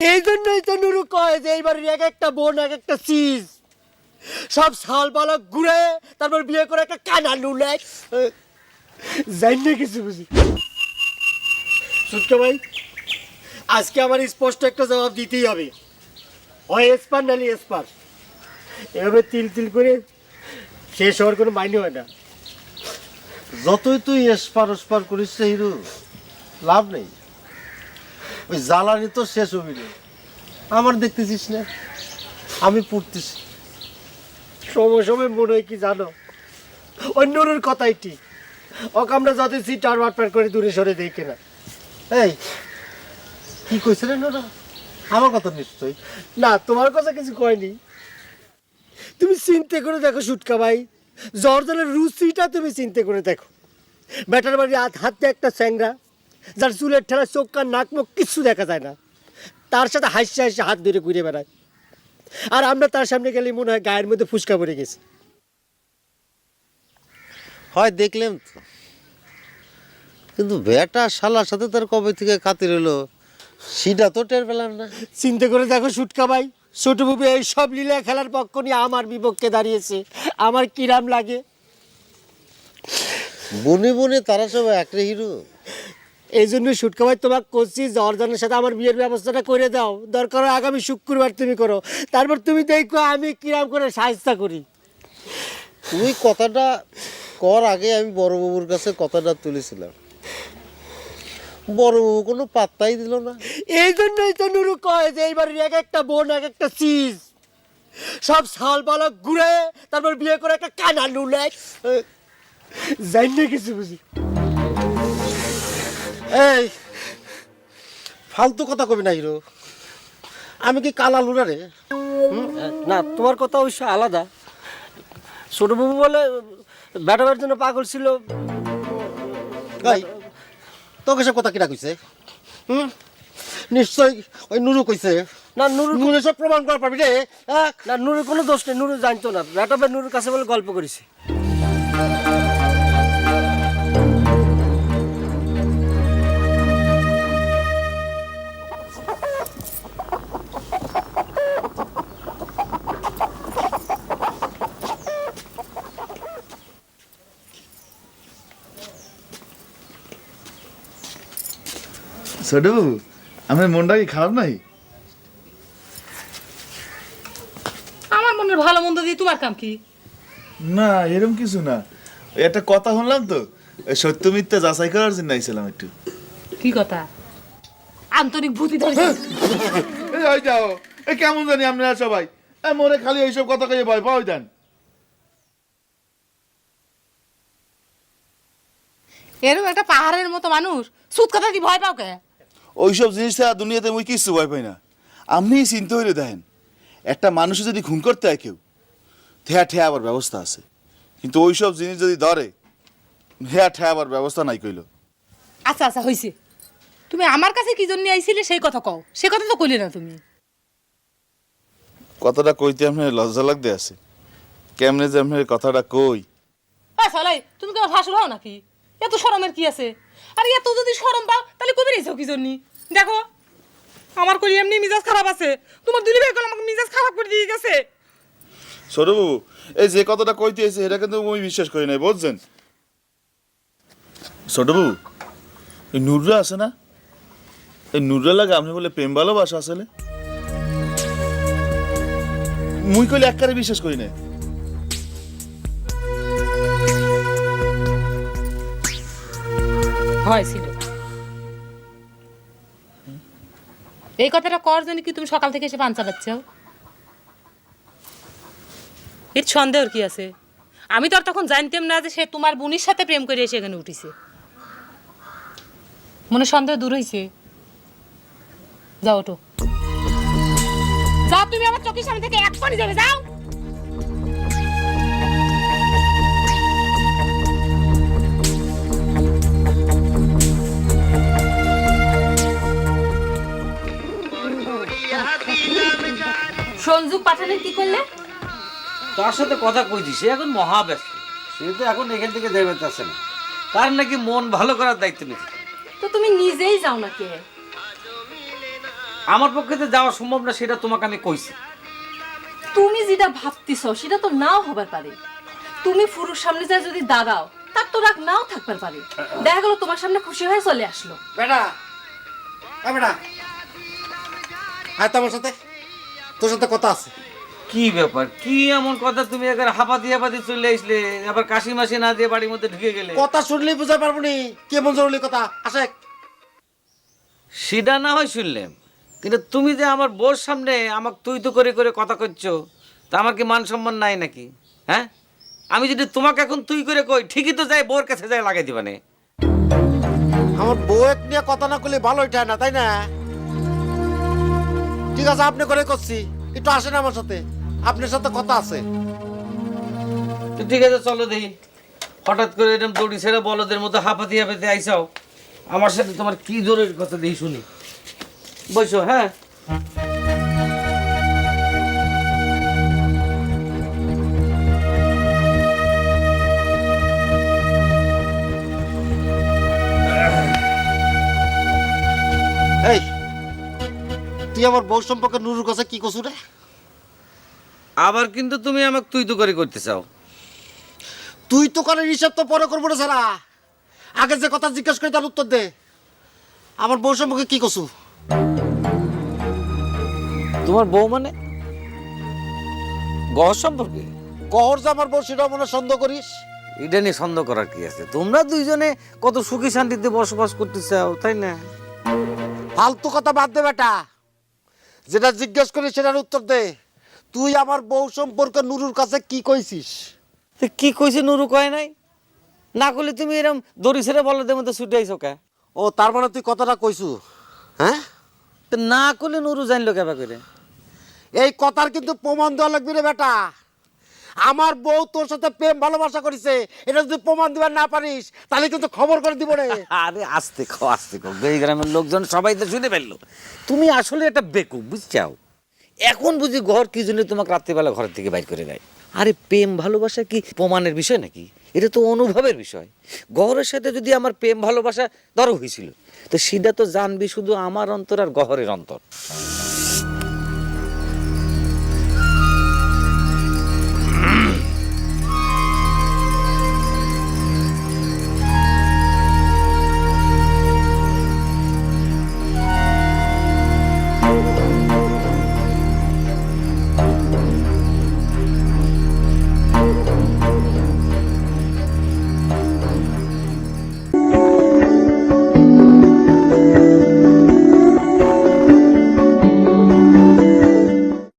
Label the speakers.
Speaker 1: এই জন্যই তো নুরু কয় যে এইবার এক একটা বোন এক একটা চিজ সব সাল বালক ঘুরে তারপর বিয়ে করে একটা কানা নুলে জানি না কিছু বুঝি। সুটকা ভাই, আজকে আমার স্পষ্ট একটা জবাব দিতেই হবে, হয় এসপার নালি এসপার। এভাবে তিল তিল করে শেষ হওয়ার কোনো মাইনে হয় না।
Speaker 2: যতই তুই এসপার ওসপার করিস রে হিরো, লাভ নেই। ওই জ্বালানি তো শেষ হবি না। আমার দেখতেছিস না, আমি পড়তেছি।
Speaker 1: সময় সময় মনে হয় কি জানো, ওই নুরুর কথাই ঠিক। ওকে আমরা যত সিটার বাটপার করে দূরে সরে দিই কিনা।
Speaker 2: এই কি কইছে রে নোরা? আমার কথা নিশ্চয়
Speaker 1: না, তোমার কথা কিছু কয়নি। তুমি চিন্তা করে দেখো সুটকা ভাই, জর্দানের রুচিটা তুমি চিন্তা করে দেখো। ব্যাটার বাড়ি হাতে একটা স্যাংরা, যার চুলের ঠেলা চোখ কান নাক মুখ কিচ্ছু দেখা যায় না, তার সাথে হাসি হাসি হাত ধরে ঘুরে বেড়ায়। আর আমরা তার সামনে গেলে মনে হয় গায়ের মধ্যে ফুসকা পড়ে গেছে।
Speaker 2: হয় দেখলাম তো, কিন্তু বেটা শালার সাথে তার কবে থেকে খাতির হলো সেটা তো টের পেলাম না।
Speaker 1: চিন্তা করে দেখো সুটকা ভাই, ছোট বুবু এই সব লীলা খেলার পক্ষ নিয়ে আমার বিপক্ষে দাঁড়িয়েছে, আমার কিরাম লাগে।
Speaker 2: বনে বনে তারা সব একরে হিরো।
Speaker 1: এই জন্য সুটকা ভাই তোমাকে করছি, জর্দানের সাথে আমার বিয়ের ব্যবস্থাটা করে দাও। দরকার হয় আগামী শুক্রবার তুমি করো, তারপর তুমি দেখো আমি কিরাম করে সাহায্য করি।
Speaker 2: তুই কথাটা কর আগে আমি বড় বাবুর কাছে কথাটা তুলেছিলাম, বড় বাবু কোনো পাত্তাই দিল না।
Speaker 1: এই জন্যই তো নুরু কয় যে এইবার এক একটা বোন এক একটা চিজ সব সাল বালক ঘুরে তারপর বিয়ে করে একটা কানা নুলে জানি না কিছু বুঝি।
Speaker 2: এই ফালতু কথা কবি না হিরো, আমি কি কালা লুনা রে?
Speaker 1: না, তোমার কথা অবশ্য আলাদা। ছোটবাবু বলে ব্যাটাবার জন্য পাগল ছিল।
Speaker 2: এই তোকে সব কথা কিনা কইছে? নিশ্চয় ওই নুরু কইছে।
Speaker 1: না নুরু,
Speaker 2: নুরু সব প্রমাণ করা পাবি রে।
Speaker 1: না নুরুর কোনো দোষ নেই, নুরু জানতো না। ব্যাটাবার নুরুর কাছে বলে গল্প করেছি।
Speaker 3: ছোট বাবু, আমার মনটা কি খারাপ নাই?
Speaker 4: আমার মনের ভালো মন্দ দিয়ে তোমার কাম কি?
Speaker 3: না এরকম কিছু না, ওই একটা কথা শুনলাম তো, ওই সত্য মিথ্যা যাচাই করার জন্য আইছিলাম একটু।
Speaker 4: কি কথা? আন্তরিক ভূতি ধরেছে।
Speaker 3: এই ওই যাও, এই কেমন জানি আপনারা সবাই মনে খালি এইসব কথা কয়ে ভয় পাওয়া দেন।
Speaker 4: এরকম একটা পাহাড়ের মতো মানুষ সুদ কথা কি ভয় পাও কে?
Speaker 3: ওইসব জিনিস ছাড়া দুনিয়াতে মুই কিচ্ছু ভয় পাই না। আপনি চিন্তা হইলে দেখেন, একটা মানুষে যদি খুন করতে হয় কেউ, ঠেয়া ঠেয়া আবার ব্যবস্থা আছে, কিন্তু ওইসব জিনিস যদি ধরে ঠেয়া ঠেয়া আবার ব্যবস্থা নাই কইল।
Speaker 4: আচ্ছা আচ্ছা হইছে, তুমি আমার কাছে কি জন্য আইছিলে সেই কথা কও। সে কথা তো কইলে না তুমি।
Speaker 3: কথাটা কইতে আপনার লজ্জা লাগতে আছে, কেমনে যে আপনার কথাটা কই।
Speaker 4: সালাই, তুমি কি আমার ভাসুর হও নাকি? এত শরমের কি আছে? আর এত যদি শরম পাও তাহলে কবি রেছো কি জন্য? দেখো আমার কই এমনি মিজাজ খারাপ আছে, তোমার দিলি ভাই কল আমাকে মিজাজ খারাপ করে দিয়ে গেছে।
Speaker 3: ছোটবাবু, এই যে কথাটা কইতে এসে এটা কিন্তু আমি বিশ্বাস করি নাই, বুঝছেন? ছোটবাবু, এই নুররা আছে না, এই নুররা লাগে আপনি বলে প্রেম ভালোবাসা আসলে মুই কইলে একবারে বিশ্বাস করি না।
Speaker 4: হয়েছিল এই কথাটা কর জন্য কি তুমি সকাল থেকে এসে পান চালাচ্ছ? এর সন্দেহর কি আছে? আমি তো আর তখন জানতাম না যে সে তোমার বোনের সাথে প্রেম করে এসে এখানে উঠিছে। মনে সন্দেহ দূর হয়েছে? যাও ওঠো, যাও, তুমি আমার চোখের সামনে থেকে এক পানি যাবে, যাও। সঞ্জু পাঠানের কি করলে?
Speaker 5: তার সাথে কথা কইছি, সে এখন মহাব্যস্ত। সে তো এখন এখান থেকে যাবে আসে না, তার নাকি মন ভালো করার দায়িত্ব নিতে।
Speaker 6: তো তুমি নিজেই যাও না কে?
Speaker 5: আমার পক্ষে তো যাওয়া সম্ভব না, সেটা তোমাকে আমি কইছি।
Speaker 6: তুমি যেটা ভাবতেছ সেটা তো নাও হবার পারে। তুমি ফুরুর সামনে যায় যদি দাঁড়াও, তার তো রাগ নাও থাকবার পারে। দেখা গেল তোমার সামনে খুশি হয়ে চলে আসলো।
Speaker 2: বেটা বেটা আয় তো আমার সাথে, তোর সাথে কথা আছে।
Speaker 5: কি ব্যাপার, কি এমন কথা তুমি একবার হাঁপাতি হাঁপাতি চলে আসলে, আবার কাশি মাসি না দিয়ে বাড়ির মধ্যে ঢুকে গেলে?
Speaker 2: কথা শুনলেই বুঝতে পারবো নি কেমন জরুরি কথা। আসে
Speaker 5: সেটা না হয় শুনলাম, কিন্তু তুমি যে আমার বউর সামনে আমাকে তুই তো করে করে কথা করছো, তা আমার কি মান সম্মান নাই নাকি? হ্যাঁ, আমি যদি তোমাকে এখন তুই করে কই, ঠিকই তো যাই বউর কাছে যাই লাগাই দিবানে।
Speaker 2: আমার বউ এক নিয়ে কথা না করলে ভালো এটা না, তাই না? ঠিক আছে, আপনি করে করছি, একটু আসেন আমার সাথে, আপনার সাথে কথা আছে।
Speaker 5: তো ঠিক আছে, চলো দেখি। হঠাৎ করে এরকম দড়ি ছেড়ে বলদের মতো হাঁপাতি হাঁপাতি আইসাও, আমার সাথে তোমার কি জরুরি কথা দেখি শুনি। বসো। হ্যাঁ,
Speaker 2: এই তুই আমার বউ সম্পর্কে নুরুর কাছে কি কছু রে?
Speaker 5: আবার কিন্তু তুমি আমাকে তুই তো করে করতে চাও।
Speaker 2: তুই তো করে হিসাব তো পরে করবো না সারা, আগে যে কথা জিজ্ঞেস করে তার উত্তর দে। আমার বউ সম্পর্কে কি কছু?
Speaker 5: তোমার বউ মানে গহ সম্পর্কে?
Speaker 2: কহর যে আমার বউ সেটা মনে সন্দেহ করিস?
Speaker 5: এটা নিয়ে সন্দেহ করার কি আছে? তোমরা দুইজনে কত সুখী শান্তিতে বসবাস করতে চাও, তাই না?
Speaker 2: ফালতু কথা বাদ দে বেটা, যেটা জিজ্ঞেস করিস সেটার উত্তর দে। তুই আমার বউ সম্পর্কে নুরুর কাছে কি কইছিস?
Speaker 5: তো কি কইছে নুরু কয় নাই? না করলে তুমি এরকম দড়ি ছেড়ে বলদের মধ্যে ছুটে আইছো কে?
Speaker 2: ও তার মানে তুই কথাটা কইছু? হ্যাঁ,
Speaker 5: তো না করলে নুরু জানলো কেবা করে?
Speaker 2: এই কথার কিন্তু প্রমাণ দেওয়া লাগবে রে বেটা। আমার বউ তোর সাথে প্রেম ভালোবাসা করেছে, এটা যদি প্রমাণ দিবার না পারিস তাহলে কিন্তু খবর করে দিব রে।
Speaker 5: আরে আস্তে খাও, আস্তে খাও, এই গ্রামের লোকজন সবাই তো শুনে ফেললো। তুমি আসলে একটা বেকুব, বুঝছাও? এখন বুঝি ঘর কি জন্য তোমাকে রাত্রিবেলা ঘরের থেকে বাইর করে দেয়? আরে প্রেম ভালোবাসা কি প্রমাণের বিষয় নাকি? এটা তো অনুভবের বিষয়। গহরের সাথে যদি আমার প্রেম ভালোবাসা ধরো হয়েছিল, তো সেটা তো জানবি শুধু আমার অন্তর আর গহরের অন্তর।